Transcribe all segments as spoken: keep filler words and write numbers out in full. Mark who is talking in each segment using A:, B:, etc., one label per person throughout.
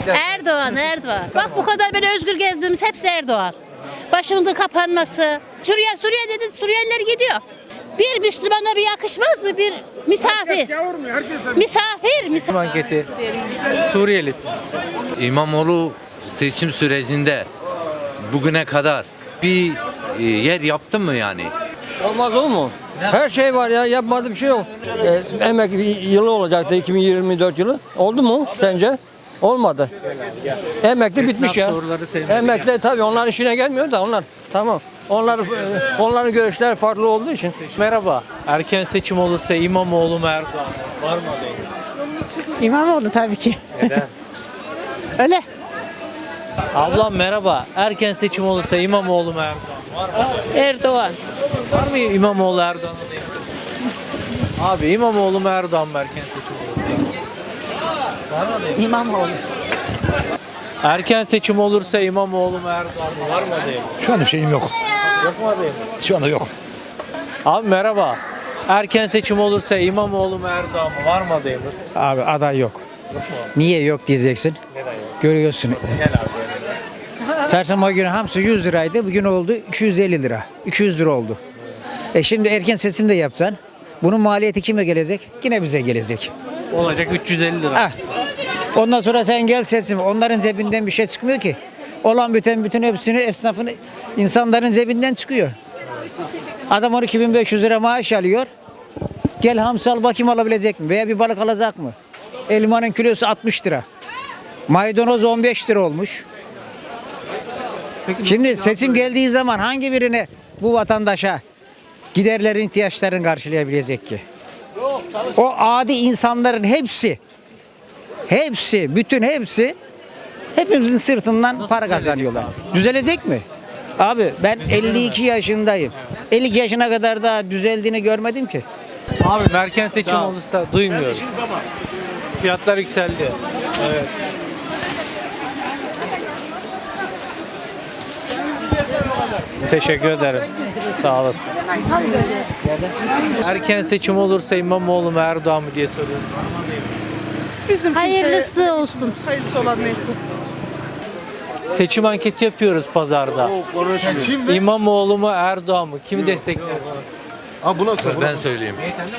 A: Erdoğan, Erdoğan. Bak bu kadar böyle özgür gezdiğimiz hepsi Erdoğan. Başımızın kapanması. Suriye, Suriye dedi, Suriyeliler gidiyor. Bir Müslümana bir yakışmaz mı? Bir misafir. Misafir, misafir.
B: Anketi. Suriyeli.
C: İmamoğlu seçim sürecinde bugüne kadar bir e, yer yaptı mı yani?
D: Olmaz olur mu? Her şey var ya, yapmadığı bir şey yok. Ee, emekli yılı olacaktı, iki bin yirmi dört yılı. Oldu mu sence? Olmadı. Emekli bitmiş ya. Emekli tabii onların işine gelmiyor da onlar. Tamam. Onlar onların görüşler farklı olduğu için.
B: Merhaba. Erken seçim olursa İmamoğlu mu Erdoğan mı? Var mı adayı?
E: İmamoğlu tabii ki.
B: Neden?
E: Öyle.
B: Ablam merhaba. Erken seçim olursa İmamoğlu mu Erdoğan mı? Var mı adayı?
E: Erdoğan.
B: Var mı İmamoğlu Erdoğan adayı? Abi İmamoğlu mu Erdoğan mı erken seçim olursa? Var mı adayı?
E: İmamoğlu.
B: Erken seçim olursa İmamoğlu mu Erdoğan mı? Var mı adayı?
F: Şu anda bir şeyim yok.
B: Yok mu adayı?
F: Şu anda yok.
B: Abi merhaba. Erken seçim olursa İmamoğlu mu Erdoğan mı? Var mı adayımız?
G: Abi aday yok.
B: Yok mu?
G: Niye yok diyeceksin.
B: Neden yok?
G: Görüyorsun.
B: Gel abi.
G: Çarşamba günü hamsi yüz liraydı. Bugün oldu iki yüz elli lira. iki yüz lira oldu. E şimdi erken seçim de yapsan bunun maliyeti kime gelecek? Yine bize gelecek.
B: Olacak üç yüz elli lira.
G: Ah. Ondan sonra sen gel seçim. Onların cebinden bir şey çıkmıyor ki. Olan biten bütün hepsini esnafın insanların cebinden çıkıyor. Adam on iki bin beş yüz lira maaş alıyor. Gel hamsi al bakayım alabilecek mi? Veya bir balık alacak mı? Elmanın kilosu altmış lira. Maydanoz on beş lira olmuş. Şimdi seçim geldiği zaman hangi birine bu vatandaşa giderlerin ihtiyaçlarını karşılayabilecek ki? O adi insanların hepsi, hepsi, bütün hepsi hepimizin sırtından para kazanıyorlar. Düzelecek mi? Abi ben elli iki yaşındayım. elli iki yaşına kadar daha düzeldiğini görmedim ki.
B: Abi erken seçim olursa duymuyorum. Fiyatlar yükseldi. Evet. Teşekkür ederim. Sağ olasın. Erken seçim olursa İmamoğlu mu Erdoğan mı diye soruyorum.
E: Bizim
A: Hayırlısı olsun.
E: hayırlısı olan neyse.
B: Seçim anketi yapıyoruz pazarda. İmamoğlu mu Erdoğan mı? Kimi destekler?
C: Ben söyleyeyim.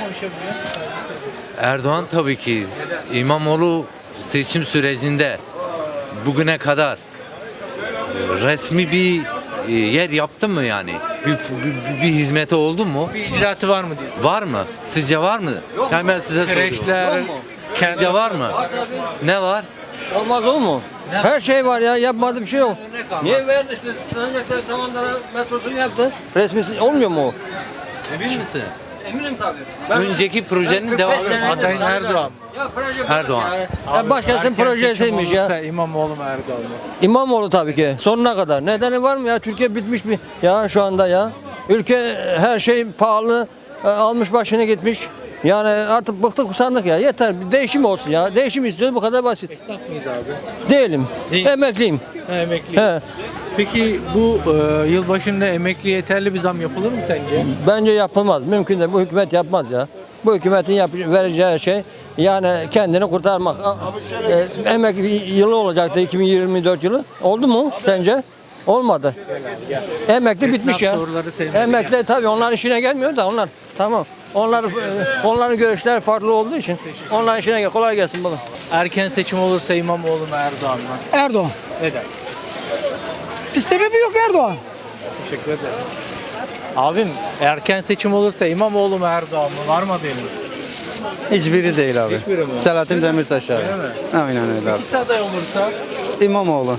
C: Erdoğan tabii ki. İmamoğlu seçim sürecinde bugüne kadar e, resmi bir e, yer yaptı mı yani? Bir, bir, bir hizmeti oldu mu?
B: Bir icraatı var mı diye.
C: Var mı? Sizce var mı? Yani ben size soruyorum.
B: Kreşler,
C: Sizce var mı? Ne var?
D: Olmaz olur mu? Her şey var ya, yapmadığı bir şey yok. Niye verdi işte Sancaktar Samandağ metrosunu yaptı? Resmisi olmuyor mu o?
C: Emin misin?
D: Eminim tabii. Ben
C: Önceki projenin devamı.
B: adayın Erdoğan.
D: Ya proje
C: Erdoğan.
D: Ya, ya başkasının
B: Erken
D: projesiymiş
B: seçim
D: ya.
B: olursa İmamoğlu mu Erdoğan mı?
D: İmamoğlu tabii ki. Sonuna kadar. Nedeni var mı ya? Türkiye bitmiş bir ya şu anda ya. Ülke her şey pahalı. e, Almış başını gitmiş. Yani artık bıktık usandık ya. Yeter bir değişim olsun ya. Değişim istiyoruz bu kadar basit.
B: Esnaf mıyız abi?
D: Değilim.
B: Değil.
D: Emekliyim.
B: Ha, emekli.
D: He.
B: Peki bu e, yılbaşında emekli yeterli bir zam yapılır mı sence?
D: Bence yapılmaz. Mümkün değil. Bu hükümet yapmaz ya. Bu hükümetin yap vereceği şey yani kendini kurtarmak. E, emekli yılı olacaktı iki bin yirmi dört yılı. Oldu mu sence? Olmadı. Emekli bitmiş ya.
B: soruları sevmedi
D: Emekli tabii onların işine gelmiyor da onlar. Tamam. Onlar onların görüşler farklı olduğu için onların işine gel. Kolay gelsin bana.
B: Erken seçim olursa İmamoğlu mu Erdoğan mı?
E: Erdoğan.
B: Neden?
E: Bir sebebi yok Erdoğan.
B: Teşekkür ederim. Abim erken seçim olursa İmamoğlu mu Erdoğan mı? Var mı adayınız?
H: Hiçbiri değil abi.
B: Hiçbiri mi?
H: Selahattin Demirtaş abi.
B: Öyle mi?
H: Aynen öyle abi.
B: İkisi aday olursa?
H: İmamoğlu.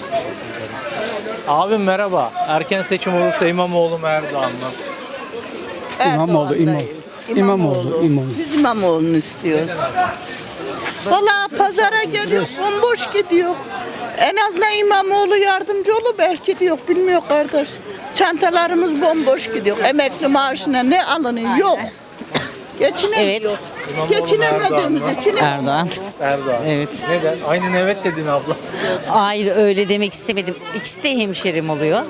B: Abim merhaba. Erken seçim olursa İmamoğlu mu Erdoğan mı?
E: İmamoğlu, İmamoğlu. İmamoğlu, İmamoğlu.
I: Biz İmamoğlu'nu istiyoruz. Valla pazara geliyor, bomboş gidiyor. En azından İmamoğlu yardımcı olur belki diyor, bilmiyor kardeş. Çantalarımız bomboş gidiyor. Emekli maaşına ne alınıyor? Yok. Geçinemiyor.
A: Evet.
I: Geçinemediğimiz için
A: Erdoğan.
B: Erdoğan.
A: Evet.
B: Neden? Aynen evet dedin abla.
A: Hayır öyle demek istemedim. İkisi de hemşerim oluyor.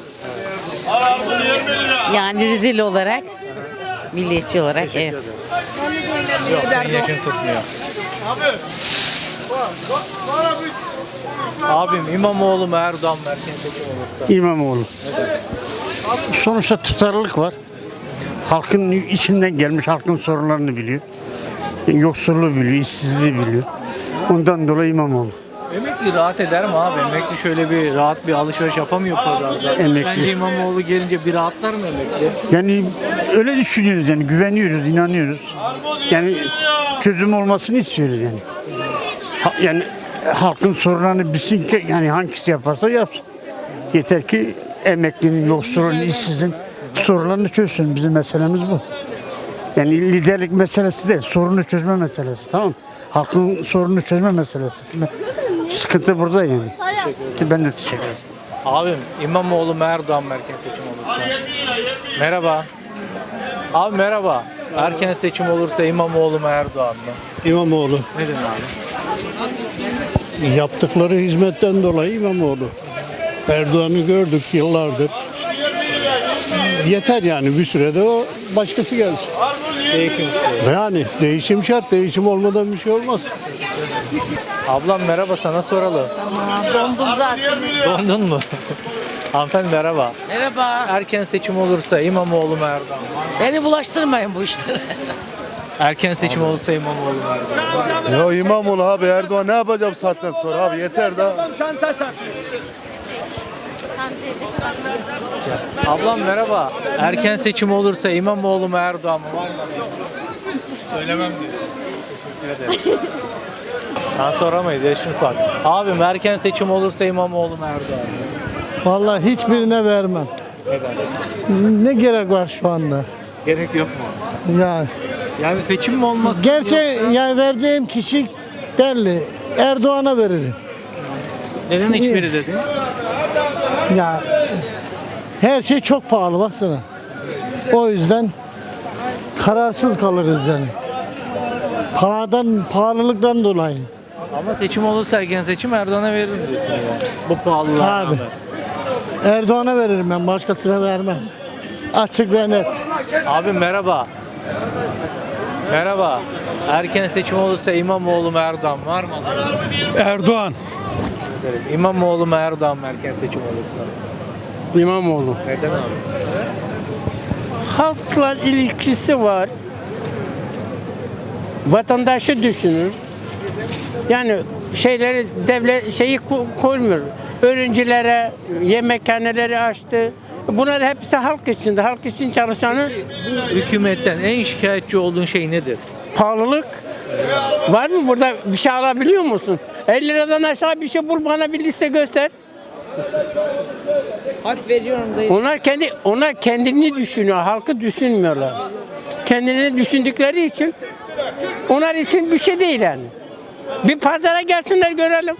A: Yani rezil olarak, milliyetçi olarak evet.
B: Yok senin yaşın tutmuyor. Abim İmamoğlu mu Erdoğan mı erken seçim olursa?
E: İmamoğlu. Sonuçta tutarlılık var. Halkın içinden gelmiş, halkın sorunlarını biliyor. Yoksulluğu biliyor, işsizliği biliyor. Ondan dolayı İmamoğlu.
B: Emekli rahat eder mi abi? Emekli şöyle bir rahat bir alışveriş yapamıyor pazarda.
E: Emekli.
B: Bence İmamoğlu gelince bir rahatlar mı emekli?
E: Yani öyle düşünüyoruz yani, güveniyoruz, inanıyoruz. Yani çözüm olmasını istiyoruz yani. Ha- yani halkın sorunlarını bilsin ki yani hangisi yaparsa yapsın. Yeter ki emeklinin, yoksulun, işsizin sorunlarını çözsün. Bizim meselemiz bu. Yani liderlik meselesi değil, sorunu çözme meselesi, tamam mı? Halkın sorununu çözme meselesi. Sıkıntı burada yani. Ben de teşekkür ederim.
B: Abim İmamoğlu mu Erdoğan mı erken seçim olursa? Merhaba. Abi merhaba. Erken seçim olursa İmamoğlu mu Erdoğan mı?
F: İmamoğlu.
B: Neden abi?
F: Yaptıkları hizmetten dolayı İmamoğlu. Erdoğan'ı gördük yıllardır. Yeter yani bir sürede o başkası gelsin.
B: Değişim istiyor.
F: Yani değişim şart. Değişim olmadan bir şey olmaz.
B: Ablam merhaba, sana soralım.
I: Dondum zaten.
B: Dondun mu? Hanımefendi merhaba.
J: Merhaba.
B: Erken seçim olursa İmamoğlu mu Erdoğan mı?
J: Beni bulaştırmayın bu işlere.
B: Erken seçim olursa İmamoğlu mu Erdoğan mı?
F: Ya İmamoğlu abi, Erdoğan ne yapacağım saatten sonra abi, yeter da.
B: Ablam merhaba. Erken seçim olursa İmamoğlu mu Erdoğan mı? Var mı? Söylemem diyor. Teşekkür ederim. Sen soramayız, yaşın fark. Abim erken seçim olursa İmamoğlu mu Erdoğan mı?
E: Vallahi hiçbirine vermem.
B: Neden?
E: Ne gerek var şu anda?
B: Gerek yok mu?
E: Yani
B: Yani seçim mi olmaz?
E: gerçi yani vereceğim kişi belli. Erdoğan'a veririm.
B: Neden hiçbiri dedin?
E: Ya her şey çok pahalı baksana. O yüzden kararsız kalırız yani. Pahadan, pahalılıktan dolayı.
B: Ama seçim olursa erken seçim Erdoğan'a veririz diyorsun yani. Bu pahalılığa
E: Tabii.
B: rağmen.
E: Erdoğan'a veririm ben, başkasına vermem. Açık ve net.
B: Abi merhaba. Merhaba. Erken seçim olursa İmamoğlu mu Erdoğan mı? Var mı?
F: Erdoğan.
B: İmamoğlu mu Erdoğan mı erken seçim olursa?
F: İmamoğlu.
B: Neden abi?
J: Halkla ilişkisi var. Vatandaşı düşünür. Yani şeyleri devlet şeyi ko- koymuyor. Öğrencilere yemekhaneleri açtı. Bunlar hepsi halk içinde. Halk için çalışanı
B: Hükümetten en şikayetçi olduğun şey nedir?
J: pahalılık. Var mı burada bir şey alabiliyor musun? elli liradan aşağı bir şey bul, bana bir liste göster.
I: Hak veriyorum dayı.
J: Onlar kendi onlar kendini düşünüyor, halkı düşünmüyorlar. Kendini düşündükleri için onlar için bir şey değil yani. Bir pazara gelsinler görelim.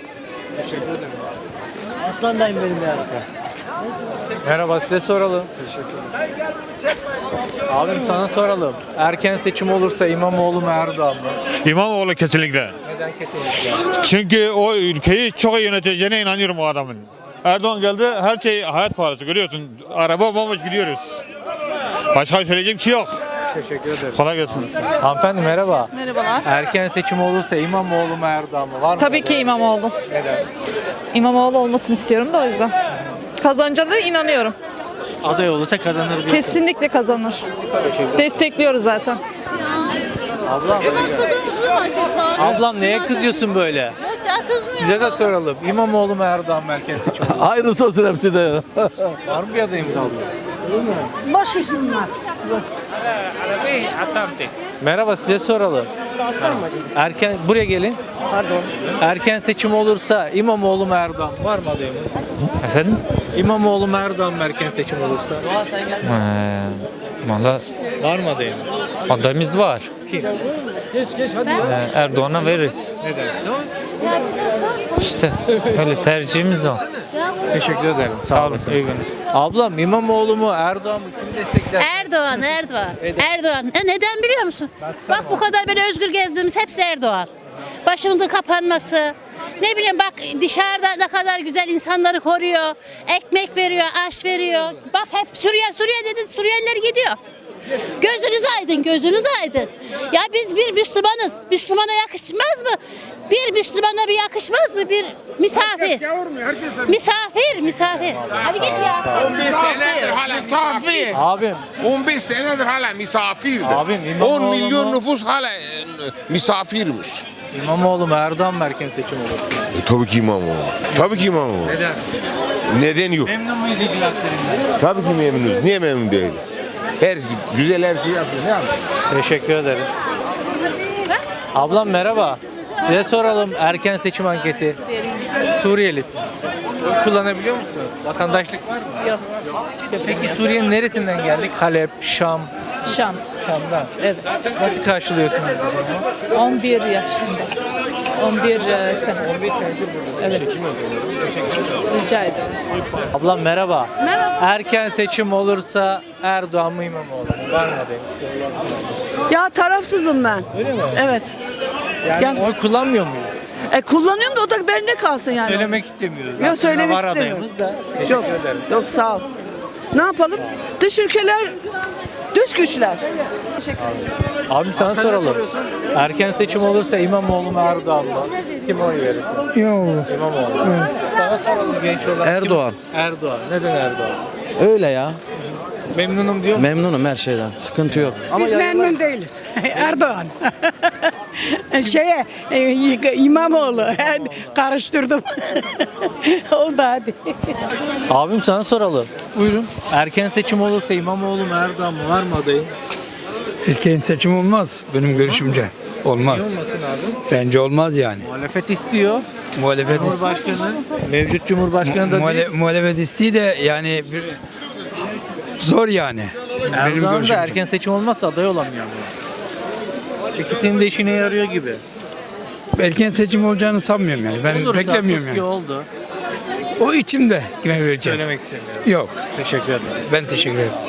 E: Aslandayım benim ya.
B: Merhaba, size soralım. Abim sana soralım. Erken seçim olursa İmamoğlu mu Erdoğan mı?
K: İmamoğlu kesinlikle.
B: Neden kesinlikle?
K: Çünkü o ülkeyi çok iyi yöneteceğine inanıyorum o adamın. Erdoğan geldi, her şey hayat pahalısı, görüyorsun. Araba bomboş gidiyoruz. Başka söyleyecek bir şey yok.
B: Teşekkür ederim.
K: Kolay gelsin.
B: Hanımefendi merhaba.
I: Merhabalar.
B: Erken seçim olursa İmamoğlu mu Erdoğan mı? Var mı?
I: Tabii ki İmamoğlu.
B: Neden?
I: İmamoğlu olmasını istiyorum da o yüzden. Kazanacağına inanıyorum.
B: Aday olursa kazanır diyorsun.
I: Kesinlikle kazanır. Destekliyoruz zaten.
B: Ablam. Ablam neye kızıyorsun böyle? Size de soralım. İmamoğlu mu Erdoğan mı erken seçim olursa?
F: Aynısı olsun hepsi de.
B: Var mı bir adayımız abla?
I: Boş iş bunlar.
B: Merhaba, size soralım. Erken buraya gelin. Pardon. Erken seçim olursa İmamoğlu mu Erdoğan mı? Var mı adayımız?
C: Efendim?
B: İmamoğlu mu Erdoğan mı erken seçim olursa?
C: Ee, Valla
B: Var mı adayımız?
C: adayımız var.
B: Kim?
C: Ee, Erdoğan'a veririz.
B: Neden?
C: İşte öyle tercihimiz o.
B: Teşekkür ederim. Sağ olasın. İyi günler. Ablam İmamoğlu mu Erdoğan mı? Kim destekler?
A: Erdoğan, Erdoğan. Erdoğan. E neden biliyor musun? Bak bu kadar böyle özgür gezdiğimiz hepsi Erdoğan. Başımızın kapanması. Ne bileyim bak dışarıda ne kadar güzel insanları koruyor. Ekmek veriyor, aş veriyor. Bak hep Suriye, Suriye dedi, Suriyeliler gidiyor. Gözünüz aydın, gözünüz aydın. Ya biz bir Müslümanız. Müslümana yakışmaz mı? Bir Müslümana bir yakışmaz mı? Bir misafir. Misafir, misafir. Hadi git ya.
L: on bir senedir hala misafir.
B: Abim.
L: on bir senedir hala misafirdir.
B: Abim, İmamoğlu
L: on milyon
B: mu?
L: nüfus hala e, misafirmiş.
B: İmamoğlu mu Erdoğan mı erken seçim olur?
L: E, tabii ki İmamoğlu. Tabii ki İmamoğlu.
B: Neden?
L: Neden yok?
B: Memnun muyuz icraatlerinden?
L: Tabii ki memnunuz. Niye memnun değiliz? Her güzel her şeyi yapıyor. Ne yapıyor?
B: Teşekkür ederim. Ablam merhaba. Size soralım erken seçim anketi. Suriyeli. Oy kullanabiliyor musun? Vatandaşlık var mı?
A: Yok.
B: Peki Suriye'nin neresinden geldik? Halep, Şam.
A: Şam.
B: Şam'dan.
A: Evet.
B: Nasıl karşılıyorsunuz bu durumu?
A: on bir yaşında. on bir sene.
B: on bir senedir burada.
A: Evet.
B: Çekim yapıyorum. Teşekkür ederim.
A: Rica ederim.
B: Ablam merhaba.
A: Merhaba.
B: Erken seçim olursa Erdoğan mı İmamoğlu mu? Var mı adayım?
I: Ya tarafsızım ben.
B: Öyle mi?
I: Evet.
B: Yani,
I: Yani-
B: oy kullanmıyor muyuz?
I: E kullanıyorum da o da bende kalsın yani.
B: Söylemek istemiyoruz.
I: Yok,
B: Aslında
I: söylemek
B: var
I: istemiyorum.
B: adayımız da. Teşekkür
I: Yok.
B: ederim.
I: Yok sağ ol. Ne yapalım? Dış ülkeler, dış güçler. Teşekkür ederim.
B: Abi sana soralım. Erken seçim olursa İmamoğlu mu Erdoğan mı? Kim oy verirsin?
F: İmamoğlu.
B: İmamoğlu. Sana soralım genç olarak. kim-
H: Erdoğan.
B: Erdoğan. Neden Erdoğan?
H: Öyle ya.
B: Memnunum diyor musun?
H: Memnunum her şeyden. Sıkıntı yok.
J: Biz memnun değiliz. Erdoğan. Şeye e, İmamoğlu karıştırdım. Oldu hadi.
B: Abim sana soralım.
F: Buyurun.
B: Erken seçim olursa İmamoğlu mu Erdoğan mı? Var mı adayın?
F: Erken seçim olmaz benim görüşümce.
B: Niye
F: Olmaz.
B: olmasın abi?
F: Bence olmaz yani.
B: Muhalefet istiyor.
F: Muhalefet
B: Cumhurbaşkanı, mevcut Cumhurbaşkanı da değil.
F: muhalefet isteği de yani bir zor yani.
B: Erdoğan da erken seçim olmazsa aday olamıyor ama. İkisinin de işine yarıyor gibi.
F: Erken seçim olacağını sanmıyorum yani. Ben
B: Olursa
F: beklemiyorum
B: tutku
F: yani.
B: oldu.
F: O içimde kime vereceğim.
B: Söylemek istemiyorum.
F: Yok.
B: Teşekkür ederim.
F: Ben teşekkür ederim.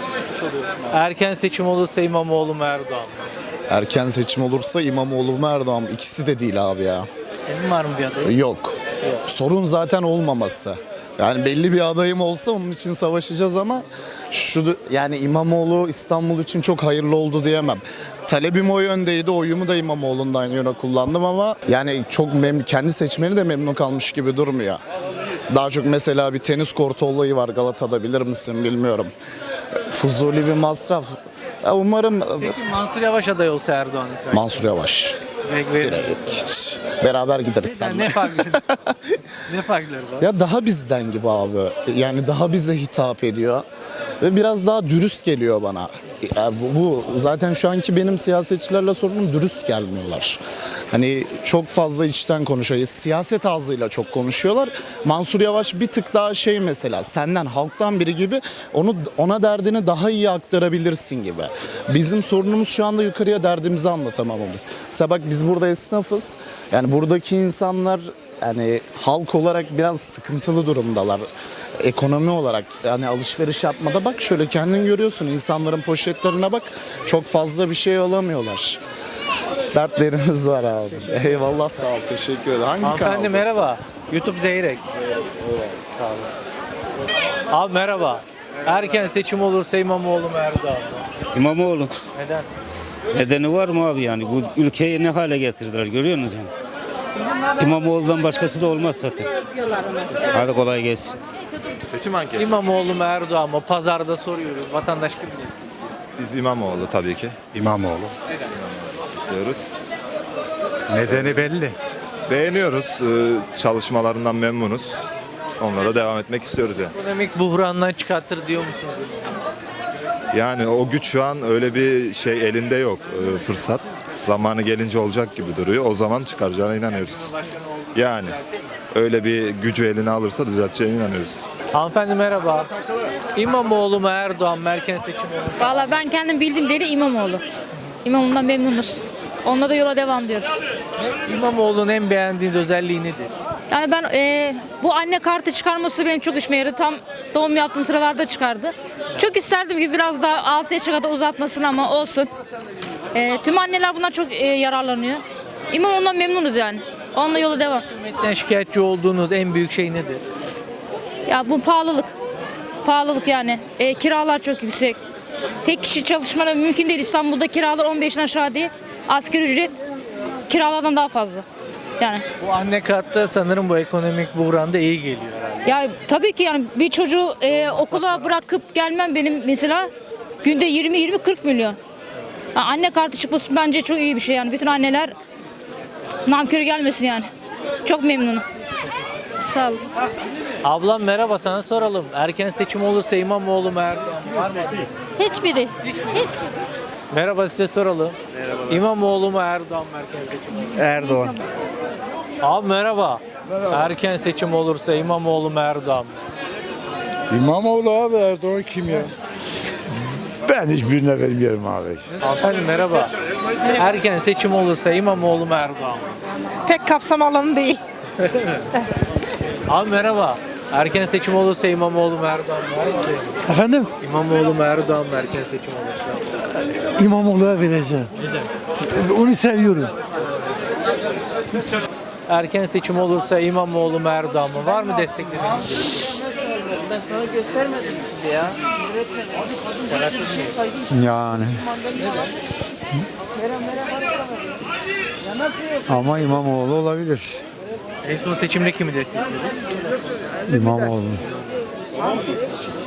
B: Erken seçim olursa İmamoğlu mu Erdoğan mı?
M: Erken seçim olursa İmamoğlu mu Erdoğan mı? İkisi de değil abi ya.
B: Senin var mı bir adayın?
M: Yok. Sorun zaten olmaması. Yani belli bir adayım olsa onun için savaşacağız ama şu yani İmamoğlu İstanbul için çok hayırlı oldu diyemem. Talebim o yöndeydi. Oyumu da İmamoğlu'ndan yana kullandım ama yani çok mem kendi seçmeni de memnun kalmış gibi durmuyor. Daha çok mesela bir tenis kortu olayı var Galata'da, bilir misin bilmiyorum. Fuzuli bir masraf. Ya umarım
B: Peki Mansur Yavaş aday olsa Erdoğan.
M: Mansur Yavaş.
B: Direkt verir.
M: Hiç. Beraber gideriz
B: Neden?
M: seninle.
B: Ne farkları? Ne farkları var?
M: Ya daha bizden gibi abi. Yani daha bize hitap ediyor. Ve biraz daha dürüst geliyor bana. Ya bu, bu zaten şu anki benim siyasetçilerle sorunum, dürüst gelmiyorlar. Hani çok fazla içten konuşuyor. Siyaset ağzıyla çok konuşuyorlar. Mansur Yavaş bir tık daha şey mesela senden, halktan biri gibi onu ona derdini daha iyi aktarabilirsin gibi. Bizim sorunumuz şu anda yukarıya derdimizi anlatamamamız. Mesela bak biz burada esnafız. Yani buradaki insanlar yani halk olarak biraz sıkıntılı durumdalar. Ekonomi olarak yani alışveriş yapmada bak şöyle kendin görüyorsun, insanların poşetlerine bak, çok fazla bir şey alamıyorlar. Dertlerimiz var abi. Eyvallah, sağ ol, teşekkür ederim. Hangi
B: Hanımefendi
M: kanaldasın?
B: merhaba. YouTube Zeyrek. Sağ olun. Abi merhaba. Erken seçim olursa İmamoğlu mu Erdoğan mı?
N: İmamoğlu.
B: Neden?
N: Nedeni var mı abi yani? Bu ülkeyi ne hale getirdiler görüyor musunuz yani? İmamoğlu'dan başkası da olmaz zaten. Hadi kolay gelsin.
K: Seçim anketi.
B: İmamoğlu mu Erdoğan mı? Pazarda soruyoruz. Vatandaş kim bilir?
K: Biz İmamoğlu tabii ki
F: İmamoğlu.
K: diyoruz. Nedeni belli. Beğeniyoruz. Ee, Çalışmalarından memnunuz. Onlara devam etmek istiyoruz yani.
B: Ekonomik buhrandan çıkartır diyor musunuz?
K: Yani o güç şu an öyle bir şey elinde yok, e, fırsat. Zamanı gelince olacak gibi duruyor. O zaman çıkaracağına inanıyoruz. Yani öyle bir gücü eline alırsa düzelteceğine inanıyoruz.
B: Hanımefendi merhaba. İmamoğlu mu Erdoğan mı? Erken seçim olur.
A: Valla ben kendim bildiğim deli İmamoğlu. İmamoğlu'ndan memnunuz. Onunla da yola devam diyoruz.
B: İmamoğlu'nun en beğendiğiniz özelliği nedir?
A: Yani ben e, bu anne kartı çıkarması benim çok işime yaradı. Tam doğum yaptığım sıralarda çıkardı. Çok isterdim ki biraz daha altı yaşa kadar uzatmasını ama olsun. E, tüm anneler bundan çok e, yararlanıyor. İmamoğlu'ndan memnunuz yani. Onunla yola devam.
B: Hükümetten şikayetçi olduğunuz en büyük şey nedir?
A: Ya bu pahalılık. Pahalılık yani. E, kiralar çok yüksek.
O: Tek kişi çalışmanın mümkün değil. İstanbul'da kiralar on beşten aşağı değil. Asgari ücret kiralardan daha fazla. Yani.
B: Bu anne kartı sanırım bu ekonomik buhranda iyi geliyor herhalde.
O: Ya tabii ki yani bir çocuğu e, okula bırakıp gelmem benim mesela günde yirmi yirmi kırk milyon. Ya anne kartı çıkması bence çok iyi bir şey yani. Bütün anneler namkörü gelmesin yani. Çok memnunum. Sağ olun.
B: Ablam merhaba, sana soralım. Erken seçim olursa İmamoğlu mu Erdoğan mı? Var mı?
A: Hiçbiri. Hiç.
B: Merhaba, size soralım. Merhaba. İmamoğlu mu Erdoğan mı erken seçim olursa?
H: Erdoğan.
B: Abi merhaba. Erken seçim olursa İmamoğlu mu Erdoğan mı?
F: İmamoğlu abi, Erdoğan kim ya? Ben hiçbirine vermiyorum abi.
B: Hanımefendi merhaba. Erken seçim olursa İmamoğlu mu Erdoğan mı?
I: Pek kapsam alanı değil.
B: Abi merhaba. Erken seçim olursa İmamoğlu mu Erdoğan mı? Var mı adayım?
F: Efendim?
B: İmamoğlu mu Erdoğan mı erken seçim olursa?
F: İmamoğlu'na vereceğim. Onu seviyorum.
B: Erken seçim olursa İmamoğlu mu Erdoğan mı? Var mı desteklediğiniz?
F: Yani. Ama İmamoğlu olabilir.
B: En son seçimde kimi desteklediniz?
F: İmamoğlu.